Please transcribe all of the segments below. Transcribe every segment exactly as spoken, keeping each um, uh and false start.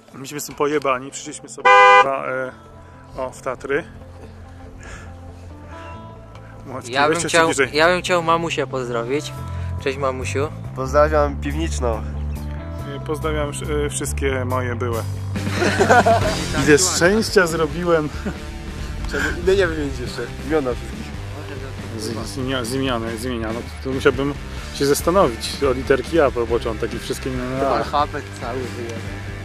Myśmy są pojebani, przyszliśmy sobie na, e, o, w Tatry. Maćki, Ja bym, chciał, bliżej. ja bym chciał mamusię pozdrowić. Cześć mamusiu. Pozdrawiam piwniczną. Pozdrawiam e, wszystkie moje byłe. Ile szczęścia zrobiłem. Trzeba imienia wymienić jeszcze. Imiona wszystkich. Z, z, z, imienia, z imienia, no to musiałbym się zastanowić o literki A po początek i wszystkie imiona. Alfabet cały wyjemy.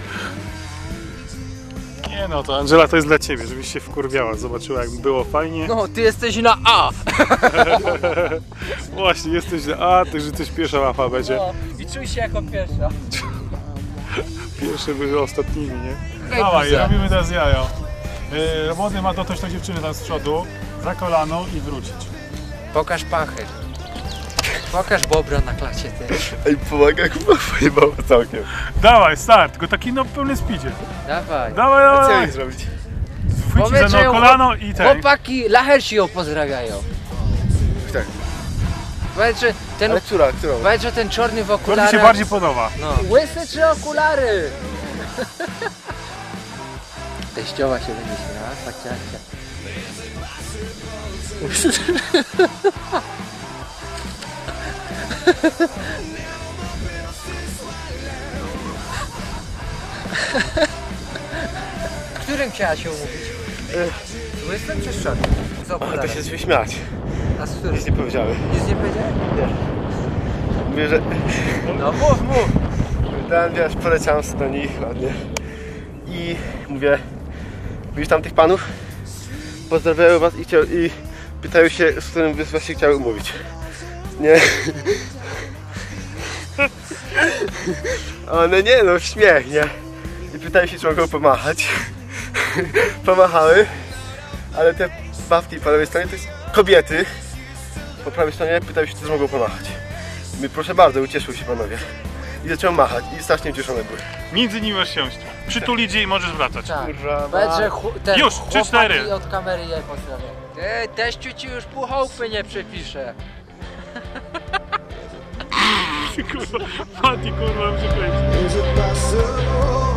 Nie no, to Angela to jest dla ciebie, żebyś się wkurwiała, zobaczyła jak było fajnie. No, ty jesteś na A! Właśnie, jesteś na A, ty że jesteś pierwsza w alfabecie. No, i czuj się jako pierwsza. Pierwsze były ostatnimi, nie? Hej, Dawaj, buza. robimy teraz jajo. Yy, Młody ma dotknąć tą dziewczynę tam z przodu, za kolano i wrócić. Pokaż pachy. Pokaż bobra na klacie ty. Ej, pomaga, chyba pojebało całkiem. Dawaj, start, tylko taki no w pełnym speedzie. Dawaj. Dawaj, A co dawaj. jej zrobić? Chwyci Powiedz, za że no kolano i ten. Chłopaki Lahersi ją pozdrawiają. Tak. Powiedz, że ten, Ale która, którą? powiedz, że ten czarny w To mi okularach... się bardziej podoba. No. Łysy czy okulary? Teściowa się będzie śmiała, paciacia. Którym chciała się umówić? Z łysym czy z czarnym? Z To okularem. się wyśmiać. A z którym? Nic nie powiedziałem. Nic nie powiedziałem? Nie. Mówię, że... No mów, mów! Dałem, wiesz, poleciałem sobie do nich ładnie. I mówię... Widzisz tam tych panów? Pozdrawiają was i, chciał, i pytają się, z którym by was się chciały umówić. Nie. One nie no, śmiech, nie? I pytają się, czy mogą pomachać. Pomachały. Ale te babki po lewej stronie to jest kobiety. Po prawej stronie pytają się, czy mogą pomachać. My proszę bardzo, ucieszyły się panowie. I zacząłem machać i strasznie ucieszone były. Między nimi masz siąść. Przytulić jej i możesz wracać. Tak. Kurwa, Powiedz, że ten Już, trzy, chłopaki cztery. od kamery je pozdrawiam. Ej, teściu ci już pół chałupy nie przepisze. Kurwa, Mati, kurwa, muszę powiedzieć. Is it possible?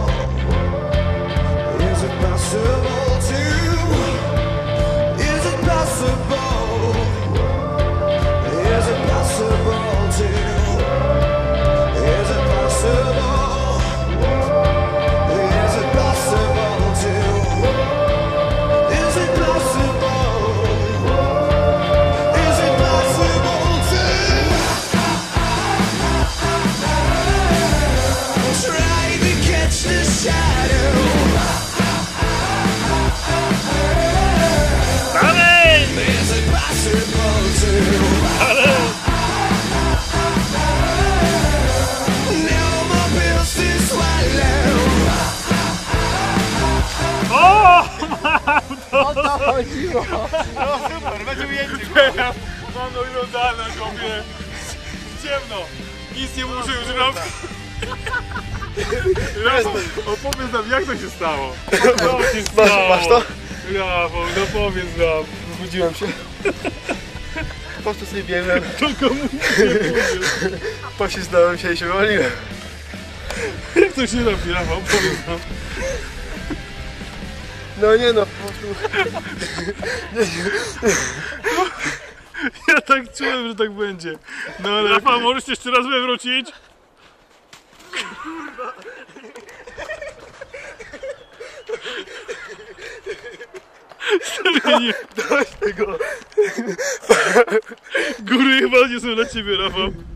Is it possible to? Is it possible? Is it possible to? Is it possible? Is it possible to? Is it possible? Is it possible to? Try to catch the shadow. Dalej! Is it possible to? No more pills to swallow. O! O to chodziło. No super, będzie ujęcie. Mam no oglądane, chłopie. Ciemno. Nic nie muszę już robić. Rafał, opowiedz nam, jak to się stało? Co się Masz, stało? masz to? Rafał, no powiedz nam. Zbudziłem się. Po prostu sobie biegłem, Tylko mu nic nie powiem. poślizgnąłem się i się wywaliłem. Jak to się robi, Rafał? Powiedz nam. No nie no, po prostu... Ja tak czułem, że tak będzie. No ale... Rafał, możesz jeszcze raz wywrócić? Serio, nie. Dość tego. Góry chyba nie są dla ciebie, Rafał.